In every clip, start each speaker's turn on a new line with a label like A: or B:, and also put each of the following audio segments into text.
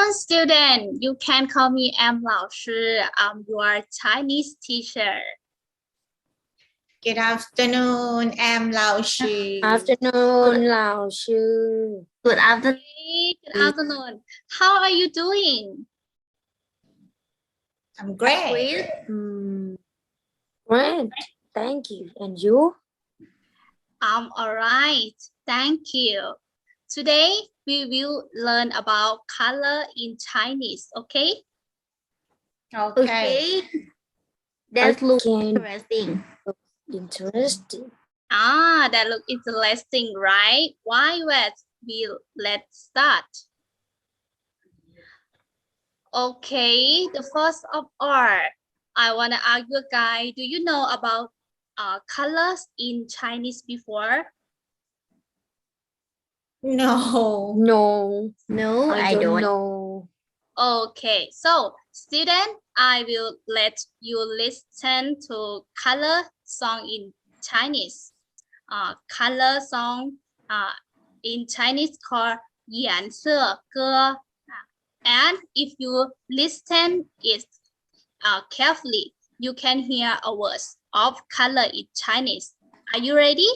A: student. You can call me M. Lao Shi. I'm your Chinese teacher.
B: Good afternoon, I'm Lao Shi.
C: Afternoon, Lao Sư.
D: Good afternoon.
A: Hey, good afternoon. How are you doing?
B: I'm great.
C: Great, thank you. And you?
A: I'm all right. Thank you. Today, we will learn about color in Chinese, okay?
B: Okay.
D: That looks
C: Okay.
D: interesting.
C: Interesting.
A: That look interesting, right? Why let's start. Okay, the first of all, I want to ask you guys, do you know about colors in Chinese before?
B: No.
C: No, I don't know.
A: Okay, so student, I will let you listen to color song in Chinese. Color song in Chinese called 颜色歌. And if you listen it carefully, you can hear a words of color in Chinese. Are you ready?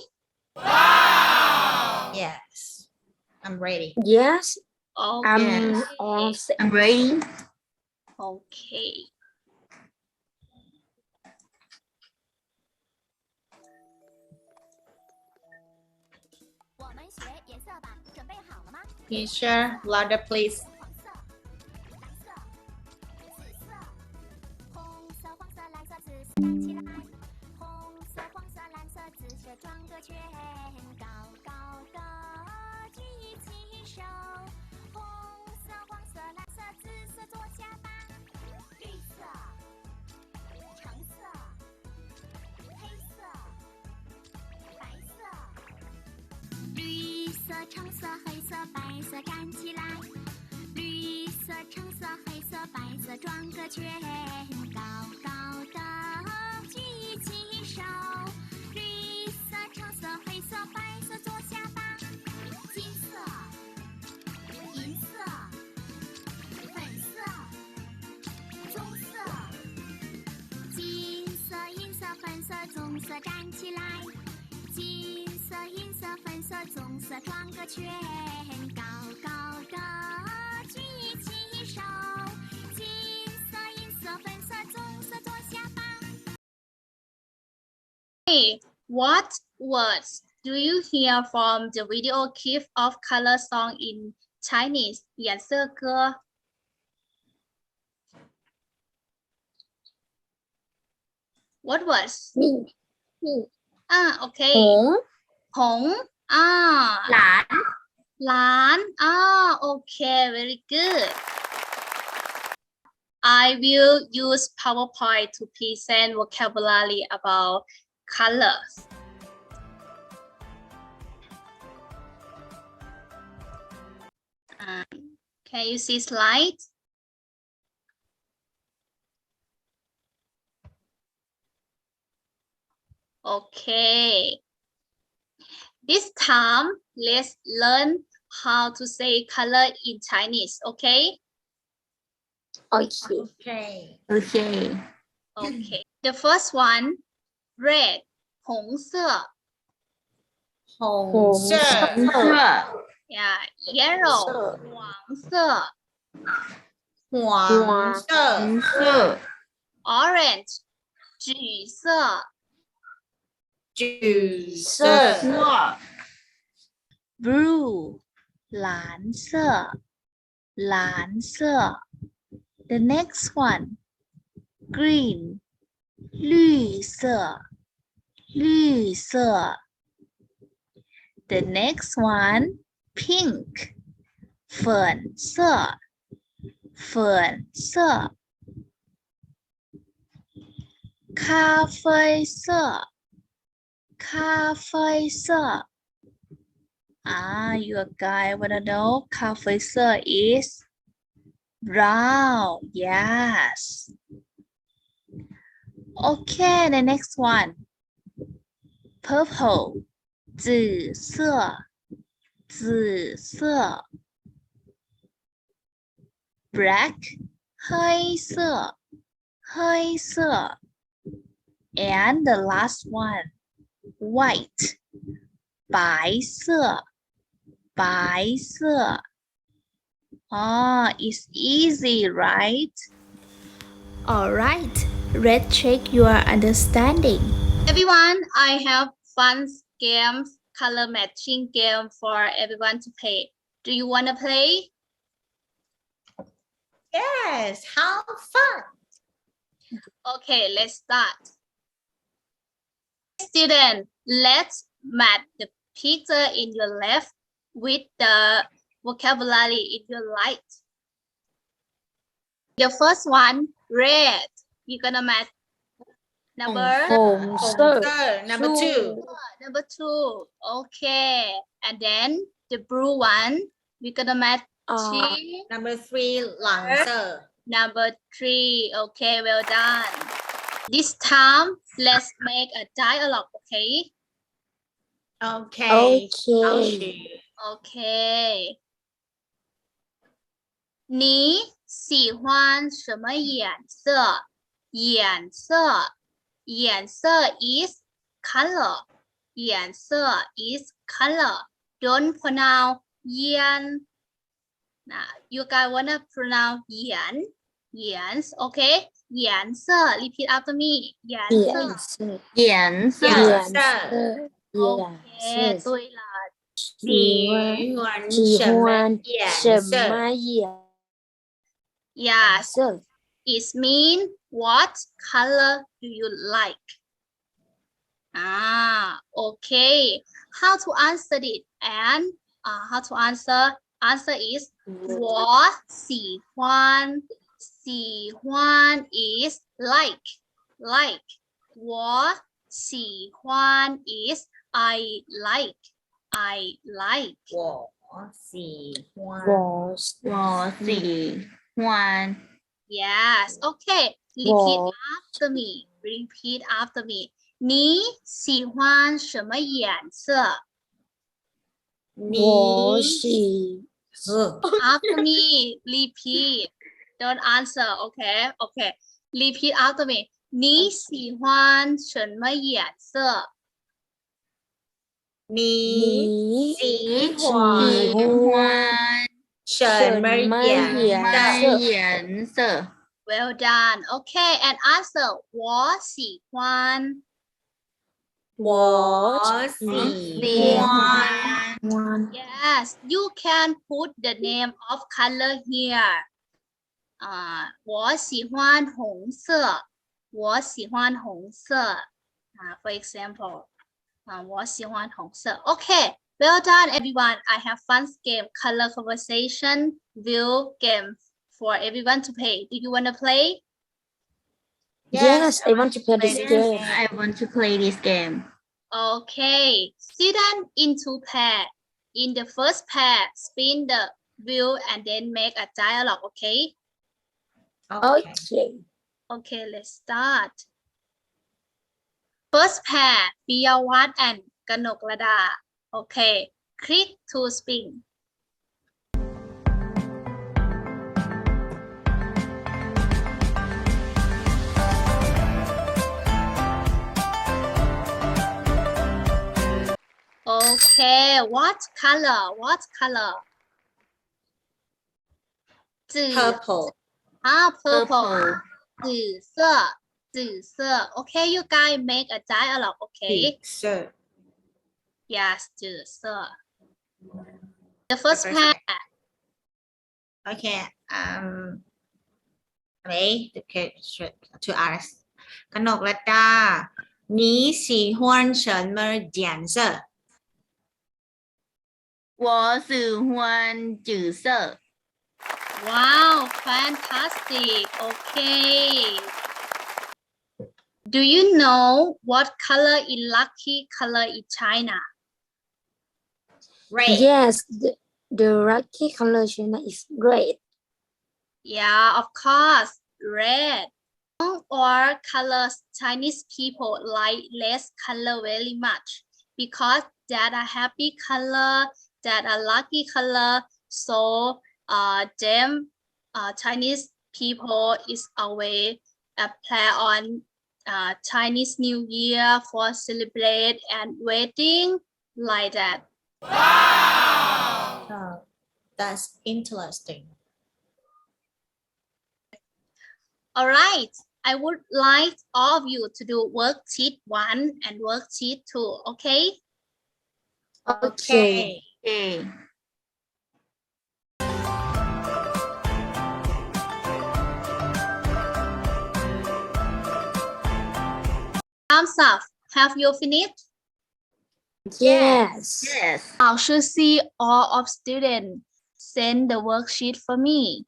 B: Yes. I'm ready.
C: Yes,
A: Okay.
C: I'm all set.
D: I'm ready.
A: Okay.
B: Teacher, louder please.
A: Hey, what words do you hear from the video clip of color song in Chinese? 颜色歌. What words?
C: Me.
A: Okay.
C: 红.
A: 红. 蓝. Okay, very good. I will use PowerPoint to present vocabulary about colors. Can you see slides? Okay. This time, let's learn how to say color in Chinese, okay?
C: Okay.
D: Okay.
A: Okay. The first one, red, 红色.
B: 红色.
A: Yeah, yellow, 黄色.
B: 黄色.
A: Orange, 橘色.
B: 橘色.
A: Blue, 蓝色. The next one, green, 绿色. The next one, pink, 粉色.咖啡色. You guys wanna know 咖啡色 is brown. Yes. Okay, the next one, purple, 紫色. black 黑色 and the last one white 白色 it's easy, right?
E: All right, let's check your understanding.
A: Everyone, I have fun games, color matching game for everyone to play. Do you want to play?
B: Yes, how fun.
A: Okay, let's start. Student, let's match the picture in your left with the vocabulary in your right. The first one, red. You're gonna match number
C: 红色
B: Sir, number 2.
A: number 2. Okay, and then the blue one, we're gonna match
B: Number 3, 蓝色.
A: number 3. Okay, well done. This time, let's make a dialogue, okay?
B: Okay.
C: Okay.
A: Okay. 你喜欢什么颜色？颜色 is color. 颜色 is color. Don't pronounce 颜. Now, you guys wanna pronounce 颜? Yes, okay? 颜色 repeat after me. 颜色。
C: 颜色
D: 颜色。
B: 颜色。
A: Okay, 对了。
B: 喜欢
C: 喜
B: 什么
C: 欢
B: 颜
C: 什
B: 色？
C: 么颜
A: Yes,
C: 色？
A: it means what color do you like? Okay. How to answer it? And how to answer? Answer is 我喜欢 is like. 我喜欢 is I like.
B: 我喜欢。
C: 我
D: 我喜欢
A: Yes. Okay. Repeat
C: 我
A: after me. Repeat after me. 你喜欢什么颜色
C: 我
B: 你
C: 喜
A: ？After me. Repeat. Don't answer. Okay. Okay. Repeat after me. 你喜欢什么颜色？
B: 你
C: 你
B: 喜
C: 喜
B: 欢
C: 欢
B: 什么颜色？
D: 颜色
A: Well done. Okay. And answer. 我喜欢。
B: 我喜欢。
A: Yes. You can put the name of color here. 我喜欢红色。我喜欢红色。For example. 我喜欢红色。Okay. Well done, everyone. I have fun game, color conversation, view game for everyone to play. Do you want to play?
C: Yes, I want to play this game.
D: I want to play this game.
A: Okay. Student in two pair. In the first pair, spin the wheel and then make a dialogue. Okay.
C: Okay.
A: Okay, let's start. First pair, Piyawat and Kanoklada. Okay, click to spin. Okay, what color? What color? 紫
B: Purple.
A: purple. 紫色. Okay, you guys make a dialogue. Okay.
B: Sir.
A: Yes, 紫色. The first pair.
B: Okay. Okay. To ask. กนกรัตดา你喜欢什么颜色？
D: 我喜欢紫色
A: Wow, fantastic. Okay. Do you know what color is lucky color in China?
B: Red.
C: Yes, the lucky color China is red.
A: Yeah, of course, red. Or colors Chinese people like less color very much because that are happy color, that are lucky color. So them Chinese people is always play on Chinese New Year for celebrate and waiting like that.
B: Oh, that's interesting.
A: All right. I would like all of you to do worksheet 1 and worksheet 2, okay?
C: Okay.
D: Okay.
A: Thumbs up. Have you finished?
C: Yes.
D: Yes.
A: Now should see all of students send the worksheet for me.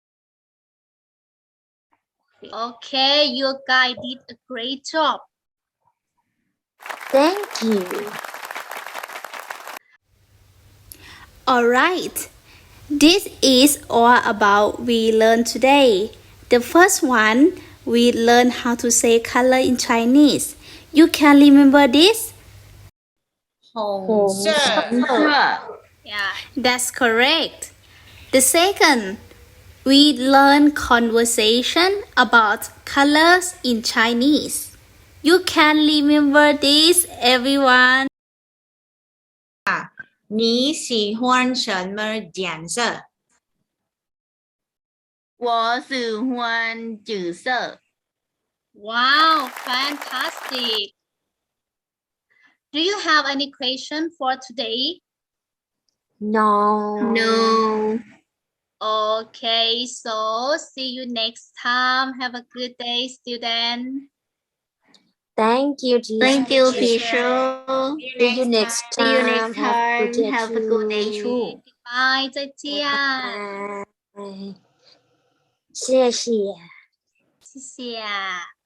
A: Okay, you guys did a great job.
C: Thank you.
E: Alright, this is all about we learned today. The first one, we learned how to say color in Chinese. You can remember this?
B: 红色
D: Sure.
A: Yeah.
E: That's correct. The second, we learn conversation about colors in Chinese. You can remember this, everyone.
B: 你喜欢什么颜色？
D: 我喜欢紫色。
A: Wow, fantastic. Do you have any question for today?
C: No.
D: No.
A: Okay, so see you next time. Have a good day, student.
C: Thank you, teacher.
D: Thank you, teacher.
C: See you next
D: See you
C: time.
D: next time. Have a good day too.
A: Bye, 再见。
C: Bye. 谢谢。
A: 谢谢。